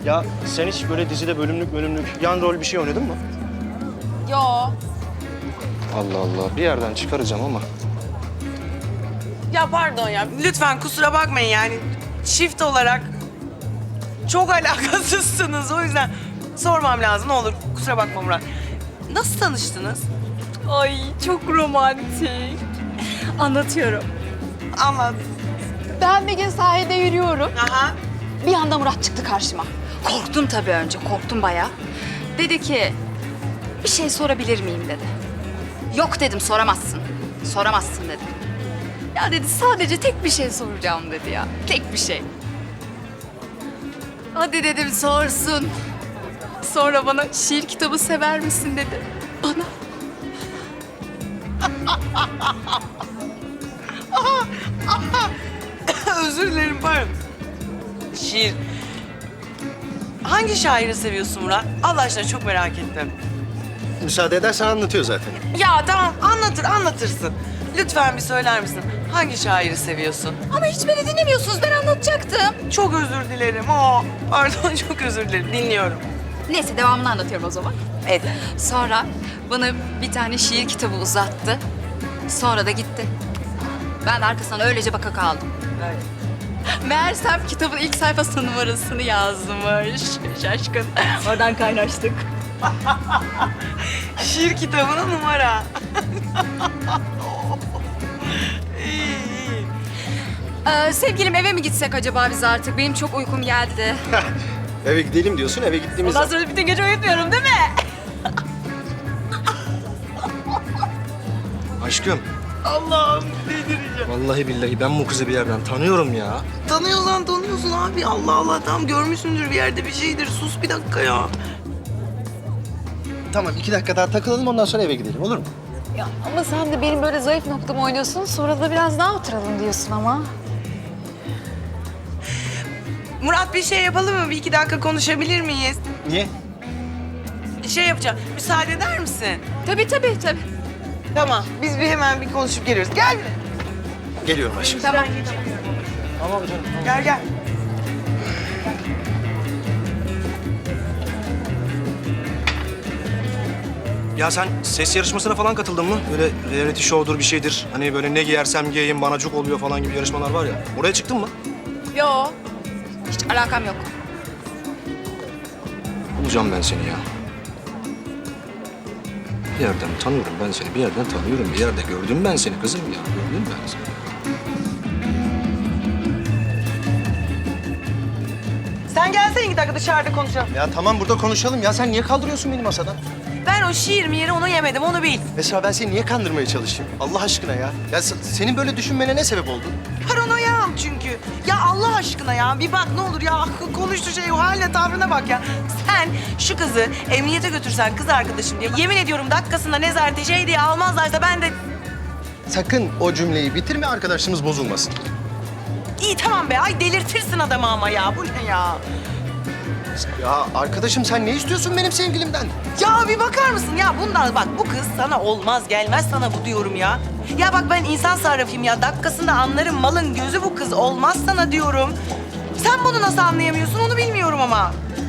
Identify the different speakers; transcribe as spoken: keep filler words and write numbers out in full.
Speaker 1: Ya sen hiç böyle dizide bölümlük bölümlük yan rol bir şey oynadın mı?
Speaker 2: Yo.
Speaker 1: Allah Allah, bir yerden çıkaracağım ama.
Speaker 3: Ya pardon ya. Lütfen kusura bakmayın yani. Çift olarak çok alakasızsınız. O yüzden sormam lazım. Ne olur kusura bakma Murat. Nasıl tanıştınız?
Speaker 2: Ay çok romantik. Anlatıyorum.
Speaker 3: Anlat.
Speaker 2: Ben bir gün sahilde yürüyorum.
Speaker 3: Aha.
Speaker 2: Bir anda Murat çıktı karşıma. Korktum tabii önce, korktum bayağı. Dedi ki, bir şey sorabilir miyim dedi. Yok dedim, soramazsın. Soramazsın dedim. Ya dedi, sadece tek bir şey soracağım dedi ya. Tek bir şey. Hadi dedim, sorsun. Sonra bana şiir kitabı sever misin dedi. Bana.
Speaker 3: Özür dilerim pardon. Şiir. Hangi şairi seviyorsun Murat? Allah aşkına çok merak ettim.
Speaker 1: Müsaade edersen anlatıyor zaten.
Speaker 3: Ya tamam anlatır anlatırsın. Lütfen bir söyler misin? Hangi şairi seviyorsun?
Speaker 2: Ama hiç beni dinlemiyorsunuz, ben anlatacaktım.
Speaker 3: Çok özür dilerim. Aa, pardon çok özür dilerim. Dinliyorum.
Speaker 2: Neyse, devamını anlatıyorum o zaman.
Speaker 3: Evet.
Speaker 2: Sonra bana bir tane şiir kitabı uzattı. Sonra da gitti. Ben de arkasından öylece baka kaldım.
Speaker 3: Evet.
Speaker 2: Meğersem kitabın ilk sayfasının numarasını yazmış. Şaşkın. Oradan kaynaştık.
Speaker 3: Şiir kitabına numara. İyi, iyi.
Speaker 2: Ee, sevgilim, eve mi gitsek acaba biz artık? Benim çok uykum geldi.
Speaker 1: Eve gidelim diyorsun, eve gittiğimiz
Speaker 2: Ondan sonra bütün gece uyutmuyorum değil mi?
Speaker 1: Aşkım,
Speaker 3: Allah'ım delireceğim.
Speaker 1: vallahi billahi ben bu kızı bir yerden tanıyorum ya.
Speaker 3: Tanıyorsan tanıyorsun abi. Allah Allah tamam görmüşsündür bir yerde bir şeydir. Sus bir dakika ya.
Speaker 1: Tamam, iki dakika daha takılalım, ondan sonra eve gidelim, olur mu?
Speaker 4: Ya ama sen de benim böyle zayıf noktamı oynuyorsun. Sonra da biraz daha oturalım diyorsun ama.
Speaker 3: Murat bir şey yapalım mı? Bir iki dakika konuşabilir miyiz?
Speaker 1: Niye?
Speaker 3: Şey yapacağım. Müsaade eder misin?
Speaker 2: Tabii tabii tabii.
Speaker 3: Tamam. Biz bir hemen bir konuşup geliyoruz. Gel.
Speaker 1: Geliyorum aşkım.
Speaker 2: Tamam.
Speaker 1: Tamam canım.
Speaker 3: Gel gel.
Speaker 1: Ya sen ses yarışmasına falan katıldın mı? Böyle reality show'dur bir şeydir. Hani böyle ne giyersem giyeyim bana cuk oluyor falan gibi yarışmalar var ya. Oraya çıktın mı?
Speaker 2: Yo. Hiç alakam yok.
Speaker 1: Bulacağım ben seni ya. Bir yerden tanıyorum ben seni, bir yerden tanıyorum. Bir yerde gördüm ben seni kızım ya. Gördüm ben seni.
Speaker 3: Sen gelsene iki dakika dışarıda konuşalım.
Speaker 1: Ya tamam burada konuşalım ya. Sen niye kaldırıyorsun beni masadan?
Speaker 3: Ben o şiir mi yeri onu yemedim onu bil.
Speaker 1: Mesela ben seni niye kandırmaya çalışayım? Allah aşkına ya. Ya se- senin böyle düşünmene ne sebep oldu?
Speaker 3: Paranoyam çünkü. Ya Allah aşkına ya bir bak ne olur ya konuştuğu şey o haline tavrına bak ya. Sen şu kızı emniyete götürsen kız arkadaşım diye yemin ediyorum dakikasında nezarete şey diye almazlarsa ben de...
Speaker 1: Sakın o cümleyi bitirme, arkadaşlığımız bozulmasın.
Speaker 3: İyi tamam be ay delirtirsin adamı ama ya bu ne ya?
Speaker 1: Ya arkadaşım sen ne istiyorsun benim sevgilimden?
Speaker 3: Ya bir bakar mısın ya bundan bak bu kız sana olmaz gelmez sana bu diyorum ya. Ya bak ben insan sarrafıyım ya dakikasında anlarım malın gözü bu kız olmaz sana diyorum. Sen bunu nasıl anlayamıyorsun onu bilmiyorum ama.